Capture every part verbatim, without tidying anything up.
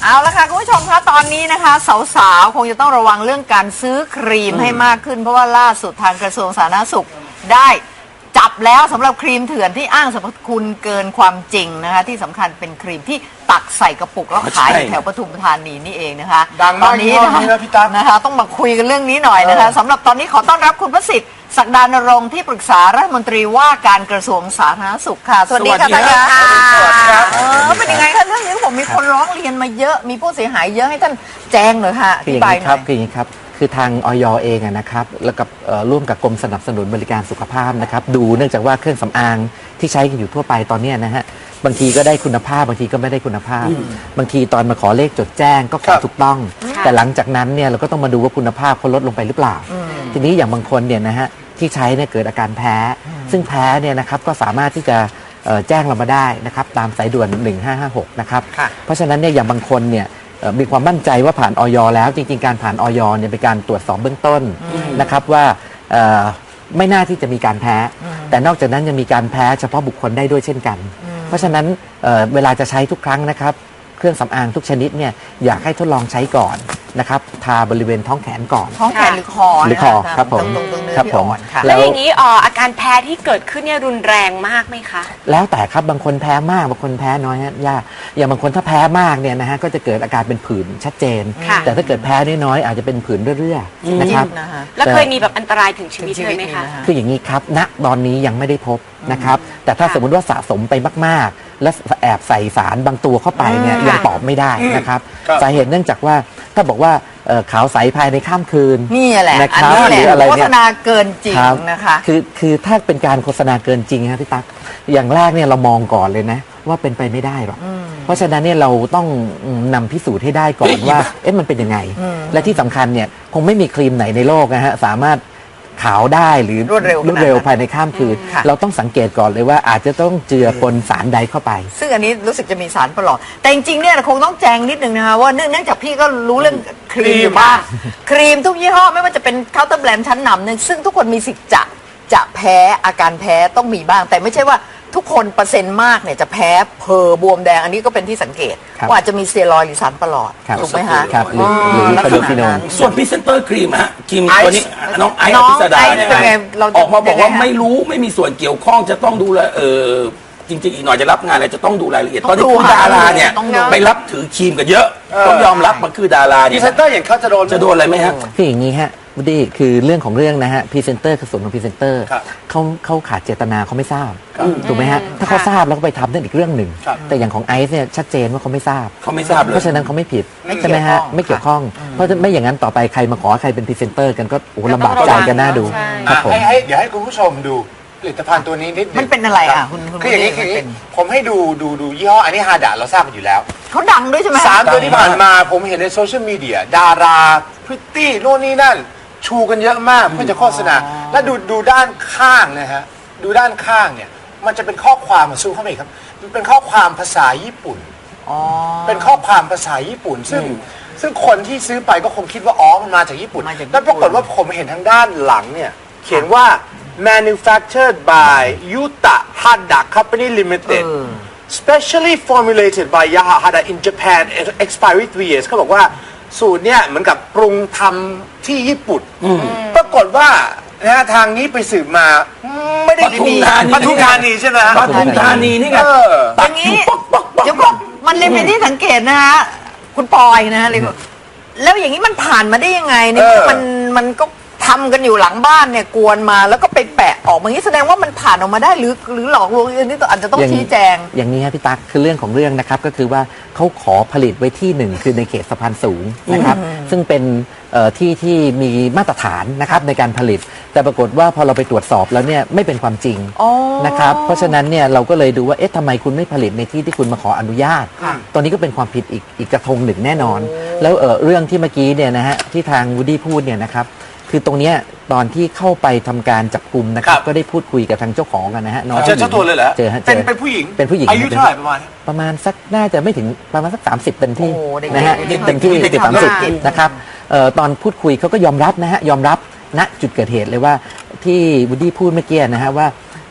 เอาละค่ะคุณผู้ชมคะตอนนี้นะคะสาวๆคงจะต้องระวังเรื่องการซื้อครีมให้มากขึ้นเพราะว่าล่าสุดทางกระทรวงสาธารณสุขได้จับแล้วสำหรับครีมเถื่อนที่อ้างสรรพคุณเกินความจริงนะคะที่สำคัญเป็นครีมที่ตักใส่กระปุกแล้วขายอยู่แถวปทุมธานีนี่เองนะคะดังมากตอนนี้นะพี่ตั๊กนะคะต้องมาคุยกันเรื่องนี้หน่อยนะคะสำหรับตอนนี้ขอต้อนรับคุณประสิทธิ์ศักดานรงค์ที่ปรึกษารัฐมนตรีว่าการกระทรวงสาธารณสุขค่ะสวัสดีค่ะท่านคะสวัสดีครับเออเป็นยังไงคะเรื่องนี้ผมมีคนร้องเรียนมาเยอะมีผู้เสียหายเยอะให้ท่านแจ้งหน่อยค่ะอคืออธิย่างบายนี้หคน่รัอบ ยคืออย่างนี้ครับคือทางอย.เองนะครับแล้วกับร่วมกับกรมสนับสนุนบริการสุขภาพนะครับดูเนื่องจากว่าเครื่องสำอางที่ใช้กันอยู่ทั่วไปตอนนี้นะฮะบางทีก็ได้คุณภาพบางทีก็ไม่ได้คุณภาพ บางทีตอนมาขอเลขจดแจ้งก็ขอถูกต้อง แต่หลังจากนั้นเนี่ยเราก็ต้องมาดูว่าคุณภาพเขาลดลงไปหรือเปล่า ทีนี้อย่างบางคนเนี่ยนะฮะที่ใช้เนี่ยเกิดอาการแพ้ ซึ่งแพ้เนี่ยนะครับก็สามารถที่จะแจ้งเรามาได้นะครับตามสายด่วนหนึ่งห้าห้าหกนะครับเพราะฉะนั้นเนี่ยอย่างบางคนเนี่ยมีความมั่นใจว่าผ่านอย.แล้วจริงๆการผ่านอย.เนี่ยเป็นการตรวจสอบเบื้องต้นนะครับว่าไม่น่าที่จะมีการแพ้ แต่นอกจากนั้นยังมีการแพ้เฉพาะบุคคลได้ด้วยเช่นกัน เพราะฉะนั้น เ, เวลาจะใช้ทุกครั้งนะครับเครื่องสำอางทุกชนิดเนี่ยอยากให้ทดลองใช้ก่อนนะครับทาบริเวณท้องแขนก่อนท้องแขนหรือคอหรือคอครับผมตรงตรงเนื้อครับที่ผอ่มอนค่ะแล้วอย่างนี้อ่ออาการแพ้ที่เกิดขึ้นเนี่ยรุนแรงมากไหมคะแล้วแต่ครับบางคนแพ้มากบางคนแพ้น้อยฮะยากอย่างบางคนถ้าแพ้มากเนี่ยนะฮะก็จะเกิดอาการเป็นผื่นชัดเจน แต่ถ้าเกิดแพ้น้อยๆอาจจะเป็นผื่นเรื่อยๆนะครับแล้วเคยมีแบบอันตรายถึงชีวิตเลยไหมคะคืออย่างนี้ครับณตอนนี้ยังไม่ได้พบนะครับแต่ถ้าสมมติว่าสะสมไปมากๆ และแอบใส่สารบางตัวเข้าไปเนี่ยยังตอบไม่ได้นะครับสาเหตุเนื่องจากว่าถ้าบอกว่าขาวใสภายในข้ามคืนนี่แหละนะอันครับนี้แหหรือละอะไรโฆเนี่ษยณาเกินจริงนะคะคือคือถ้าเป็นการโฆษณาเกินจริงครับพี่ตั๊กอย่างแรกเนี่ยเรามองก่อนเลยนะว่าเป็นไปไม่ได้หรอกเพราะฉะนั้นเนี่ยเราต้องนำพิสูจน์ให้ได้ก่อนว่าเอ๊ะมันเป็นยังไงและที่สำคัญเนี่ยคงไม่มีครีมไหนในโลกนะฮะสามารถขาวได้หรือรวดเร็วรวดเร็วภายในข้ามคืนเราต้องสังเกตก่อนเลยว่าอาจจะต้องเจือปนสารใดเข้าไปซึ่งอันนี้รู้สึกจะมีสารประหลอดแต่จริงๆเนี่ยคงต้องแจ้งนิดนึงนะคะว่าเนื่องจากพี่ก็รู้เรื่องครีมอยู่บ้างครีมทุกยี่ห้อไม่ว่าจะเป็นเคาน์เตอร์แบรนด์ชั้นนำเนี่ยซึ่งทุกคนมีสิทธิ์จะจะแพ้อาการแพ้ต้องมีบ้างแต่ไม่ใช่ว่าทุกคนเปอร์เซ็นต์มากเนี่ยจะแพ้เพอบวมแดงอันนี้ก็เป็นที่สังเกตว่าอาจจะมีสเตียรอยด์หรือสารประหลอดถูกไหมคะครับหรือหรือคาร์โบฟิโนนส่วนพรีเซนเตอร์ครีมฮะครีมตัวนี้น้องไอซ์น้อองภิสดาไอซ์เนี่ยเป็นไงเราจะออกมาบอกว่ายังไงฮะไม่รู้ไม่มีส่วนเกี่ยวข้องจะต้องดูแลเออจริงๆอีกหน่อยจะรับงานอะไรจะต้องดูรายละเอียดต้ตออง นนี้ดูคือดาราเนี่ยต้องดูไปรับถือครีมกันเยอะต้องยอมรับมันคือดาราพรีเนี่ยเซนเตอร์อย่างเขาจะโดนจะโดนอะไรไหมฮะคืออย่างนี้ฮะวูดดี้คือเรื่องของเรื่องนะฮะพรีเซนเตอร์คือส่วนของพรีเซนเตอร์ครับเขาเขาขาดเจตนาเขาไม่ทราบถูกไหมฮะถ้าเขาทราบแล้วก็ไปทำนั่นอีกเรื่องหนึ่งครับแต่อย่างของไอซ์เนี่ยชัดเจนว่าเขาไม่ทราบเขาไม่ทราบเลยเพราะฉะนั้นเขาไม่ผิดไม่ใช่ไหมฮะเกี่ยวข้องไม่เกี่ยวข้อง เพราะไม่อย่างนั้นต่อไปใครมาขอใครเป็นพรีเซนเตอร์กันก็โอ้โหลำบากใจกันน่าดูใช่ครับผมให้ให้เดี๋ยวให้คุณผู้ชมดูผลิตภัณฑ์ตัวนี้นิดนึงมันเป็นอะไรอ่ะคุณคุณคืออย่างนี้คุณคืออย่างเป็นี้นผมให้ดูดูดูยี่ห้ออันนี้ฮาดะเราทราบกันอยู่แล้วเขาดังด้วยใช่ไหมสามตัวที่ผ่านมาผมเห็นในโซเชียลมีเดียดาราพริตตี้โน่นนี่นั่น ชูกันเยอะมากเพื่อจะโฆษณา แล้วดูดูด้านข้างนะฮะดูด้านข้างเนี่ยมันจะเป็นข้อความมาซูมเข้าไปอีกครับมันเป็นข้อความภาษาญี่ปุ่นอ๋อเป็นข้อความภาษาญี่ปุ่น ซึ่งซึ่งคนที่ซื้อไปก็คงคิดว่าอ๋อมันมาจากญี่ปุ่นมาจากญี่ปุ่นแล้วปรากฏว่าผมเห็นทางด้านหลังเนี่ยเขียนว่า manufactured by Yuta Hada Company Limited specially formulated by Yahahada in Japan expiry three years เขาบอกว่าสูตรเนี่ยเหมือนกับปรุงทำที่ญี่ปุ่นปรากฏว่านะฮะทางนี้ไปสืบมาไม่ได้ปทุมธานีปทุมธานีใช่ไหมฮะปทุมธานีนี่ไงเอออตัย่าก งอนี้ยู่ป๊อกป๊อกป๊อกเดี๋ยวก่อนมันเลยเป็นที่สังเกตนะฮะคุณปอยนะฮะเลยบอกแล้วอย่างนี้มันผ่านมาได้ยังไงเนี่ยเออมันมันก็ทำกันอยู่หลังบ้านเนี่ยกวนมาแล้วก็ไปแปะออกมาอย่างนี้แสดงว่ามันผ่านออกมาได้หรือหรือหลอกลวงอันนี้อาจจะต้องอย่างชี้แจงอย่างนี้ครับพี่ตั๊กคือเรื่องของเรื่องนะครับก็คือว่าเขาขอผลิตไว้ที่หนึ่งคือในเขตสะพานสูงนะครับซึ่งเป็นเอ่อที่ที่มีมาตรฐานนะครับในการผลิต แต่ปรากฏว่าพอเราไปตรวจสอบแล้วเนี่ยไม่เป็นความจริงอ๋อนะครับเพราะฉะนั้นเนี่ยเราก็เลยดูว่าเอ๊ะทำไมคุณไม่ผลิตในที่ที่คุณมาขออนุญาตค่ะตอนนี้ก็เป็นความผิดอีกอีกกระทงหนึ่งแน่นอน แล้วเอ่อเรื่องที่เมื่อกี้เนี่ยนะฮะที่ทางวูดดี้พูดเนี่ยนะครับคือตรงเนี้ยตอนที่เข้าไปทำการจับกลุ่มนะครับครับก็ได้พูดคุยกับทางเจ้าของกันนะฮะน้องเจอเจ้าตัวเลยเหรอเจอฮะเป็นจอเป็นผู้หญิงเป็นผู้หญิงอายุเท่าไหร่ประมาณประมาณสักน่าจะไม่ถึงประมาณสักสามสิบเต็มที่โอ้โหเด็กๆนะฮะเด็กๆเต็มที่เด็กๆสิบสามสิบเด็กๆนะครับเอ่อตอนพูดคุยเขาก็ยอมรับนะฮะยอมรับณจุดเกิดเหตุเลยว่าที่วูดดี้พูดเมื่อกี้นะฮะว่า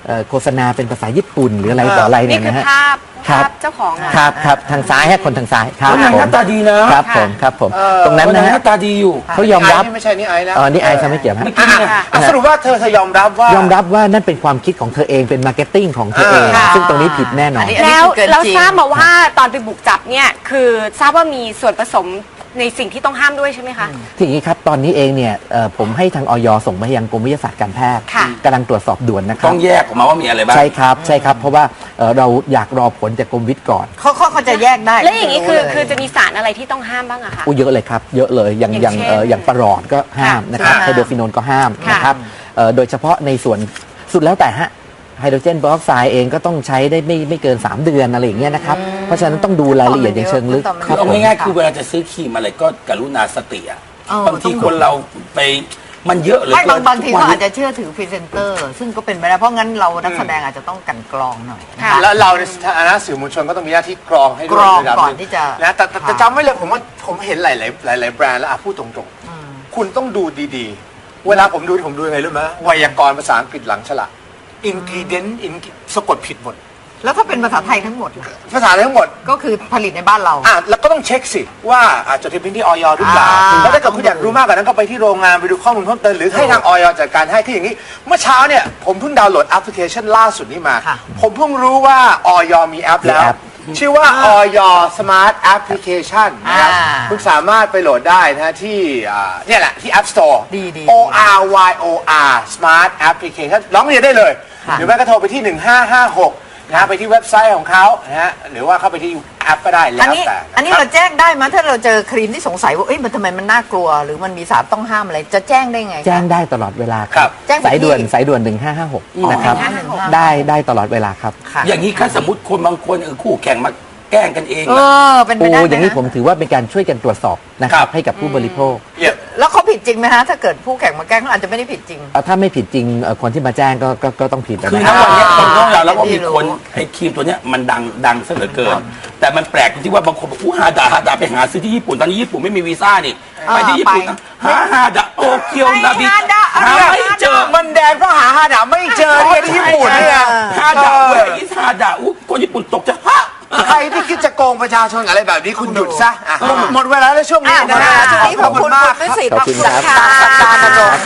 เอ่อโฆษณาเป็นภาษาญี่ปุ่นหรืออะไรต่ออะไรนี่เนี่ยคือนะฮะภาพครับภาพเจ้าของอะครับครับทางซ้ายฮะคนทางซ้ายครับคนนั้นผมหน้าตาดีนะครับผมครับผมเออตรงนั้นคนนั้นะนหฮะน้าตาดีอยู่เขายอมรับไนี่ไม่ใช่นี่ไอ้นะอ๋อนี่ไอซ์จะไม่เกี่ยวฮะไม่เกี่ยวอ่ะอ่ะสรุปว่าเธอเธอยอมรับว่ายอมรับว่านั่นเป็นความคิดของเธอเองเป็นมาร์เก็ตติ้งของเธอเองอ่าซึ่งตรงนี้ผิดแน่นอนอันนี้แล้วคือเกินเราจริงทราบมาว่าตอนไปบุกจับเนี่ยคือทราบว่ามีส่วนผสมในสิ่งที่ต้องห้ามด้วยใช่ไหมคะทีนี้ครับตอนนี้เองเนี่ยเอ่อผมให้ทางออยส่งไปยังกรมวิทยาศาสตร์การแพทย์ค่ะกำลังตรวจสอบด่วนนะครัต้บองแยกออกมาว่ามีอะไรบ้างใช่ครับใช่ครับเพราะว่าเอ่อเราอยากรอผลจากกรมวิทย์ก่อนเขาเขาเขาจะแยกได้แล้วอย่างนี้คือรู้เลยคือจะมีสารอะไรที่ต้องห้ามบ้างอะคะอู้เยอะเลยครับ เยอะเลยอย่างออย่างย่างเช่นเอ่ออย่างประหลอดก็ห้ามนะครับค่ะไฮโดรฟิโนนก็ห้ามค่ะนะครับเอ่อโดยเฉพาะในส่วนสุดแล้วแต่ฮะไฮโดรเจนเปอร์ออกไซด์เองก็ต้องใช้ได้ไม่ไม่เกิน สาม เดือนอะไรอย่างเงี้ยนะครับ เพราะฉะนั้นต้องดูรายละเอียดอย่างเชิงลึกต้องคคืรัอบ เอาผมง่ายๆคือเวลาจะซื้อครีมอะไรก็กรุณาสติอ่ะเออบางทีต้องดูคนเราไปมันเยอะเหลยไม่บางบางทีเขาอาจจะเชื่อถือพรีเซนเตอร์ ซึ่งก็เป็นไปได้เพราะงั้นเรานักแสดงอาจจะต้องกลั่นกรองหน่อยนะค่ะคะแล้วเราในฐานะสื่อมวลชนก็ต้องมีหน้าที่กรองให้ด้วยกรองระดับก่อนหงที่จะนะแต่แต่แต่ค่ะจำไว้เลยผมว่าผมเห็นหลายๆหลาย ๆ แบรนด์แล้วอ่ะพูดตรงๆ คุณต้องดูดีๆ เวลาผมดูผมดูยังไงรู้ไหมไวยากรณ์ภาษาอังกฤษหลังฉลาก ingredient in สะกดผิดหมดแล้วถ้าเป็นภาษาไทยทั้งหมดล่ะภาษาทั้งหมดก็คือผลิตในบ้านเราอ่ะแล้วก็ต้องเช็คสิว่าอาจจะทะเบียนที่ออยหรือเปล่าอ่าแล้วถ้าเกิดคุณอยากรู้มากกว่านั้นก็ไปที่โรงงานไปดูข้อมูลเพิ่มเติมหรือให้ทางออยจัดการให้คืออย่างนี้ เมื่อเช้าเนี่ยผมเพิ่งดาวน์โหลดแอปพลิเคชันล่าสุดนี้มาค่ะผมเพิ่งรู้ว่าออยมีแอปแล้วมีแอปชื่อว่าออยสมาร์ทแอปพลิเคชันนะครับอ่าคุณสามารถไปโหลดได้นะฮะที่อ่าเนี่ยแหละที่ App Store ดีดี O R Y O R Smart Application ร้องเรียนได้เลยค่ะหรือไม่ก็โทรไปที่หนึ่งห้าห้าหกนะฮะไปที่เว็บไซต์ของเขานะฮะหรือว่าเข้าไปที่แอปก็ได้แล้อันวนี้แต่อันนี้ะคเราบแจ้งได้ไหมถ้าเราเจอครีมที่สงสัยว่าเอ้ยมันทำไมมันน่ากลัว หรือมันมีสารต้องห้ามอะไรจะแจ้งได้ไงคะแจ้งได้ตลอดเวลาคครัรับบแจ้งไปสายด่วนที่สายด่วนหนึ่งห้าห้าหกนะครับหนึ่งห้าห้าหกได้ได้ตลอดเวลาครับค่ะอย่างนี้ถ้าสมมติคนบางคนเออคู่แข่งมาแกล้งกันเองเออะอเป็นไปโอ้ได้ไหมอย่างนี้ฮะผมถือว่าเป็นการช่วยกันตรวจสอบนะคครัรับบ ให้กับผู้บริโภคเยี่ยมแล้วเขาผิดจริงไหมฮะถ้าเกิดผู้แข่งมาแกล้งเขาอาจจะไม่ได้ผิดจริงเอ่อถ้าไม่ผิดจริงเอ่อคนที่มาแจ้งก็ก็ก็ต้องผิดนะคือคณรับวันเนี้ยคนต้องยอมรับว่าไม่มีรู้คนไอ้ครีมตัวเนี้ยมันดังดังซะเหลือเกิน แต่มันแปลกตรงที่ว่าบางคนบอกอู้ฮาดาฮาดาไปหาซื้อที่ญี่ปุ่นตอนนี้ญี่ปุ่นไม่มีวีซ่านี่ไปที่ญี่ปุ่นนะหาฮาดาโตเกียวนาบิฮาดาหาไม่เจอมันแดงเพราะหาหาดาไม่เจอเนี่ยที่ญี่ปุ่นเนี่ยฮาดาเว้ยฮาดาอู้คนญี่ปุ่นตกใจฮะใครที่คิดจะโกงประชาชนอะไรแบบนี้คุณหยุดซะอ่ะหมดเวลาแล้วช่วงนี้อ่ะหมดนะเวลาฮะช่วงนี้ขอบคุณมากคุณวิสิตขอบคุณครับสัปดาห์นรงค์